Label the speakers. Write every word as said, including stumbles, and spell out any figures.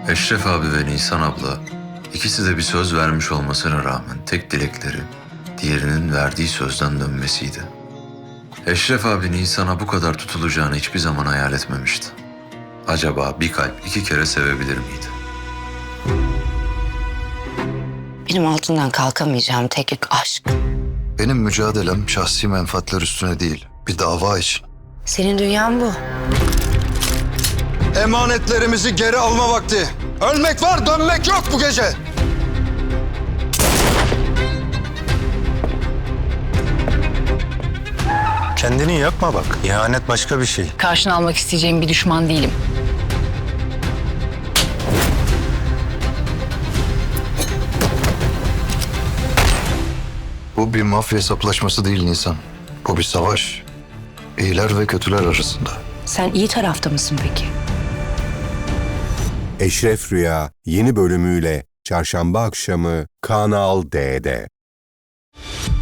Speaker 1: Eşref abi ve Nisan abla ikisi de bir söz vermiş olmasına rağmen tek dilekleri diğerinin verdiği sözden dönmesiydi. Eşref abi Nisan'a bu kadar tutulacağını hiçbir zaman hayal etmemişti. Acaba bir kalp iki kere sevebilir miydi?
Speaker 2: Benim altından kalkamayacağım tek yük aşk.
Speaker 3: Benim mücadelem şahsi menfaatler üstüne değil, bir dava için.
Speaker 2: Senin dünyan bu.
Speaker 3: Emanetlerimizi geri alma vakti. Ölmek var, dönmek yok bu gece.
Speaker 4: Kendini yakma bak. İhanet başka bir şey.
Speaker 5: Karşına almak isteyeceğim bir düşman değilim.
Speaker 3: Bu bir mafya hesaplaşması değil Nisan. Bu bir savaş. İyiler ve kötüler arasında.
Speaker 2: Sen iyi tarafta mısın peki?
Speaker 6: Eşref Rüya yeni bölümüyle Çarşamba akşamı Kanal D'de.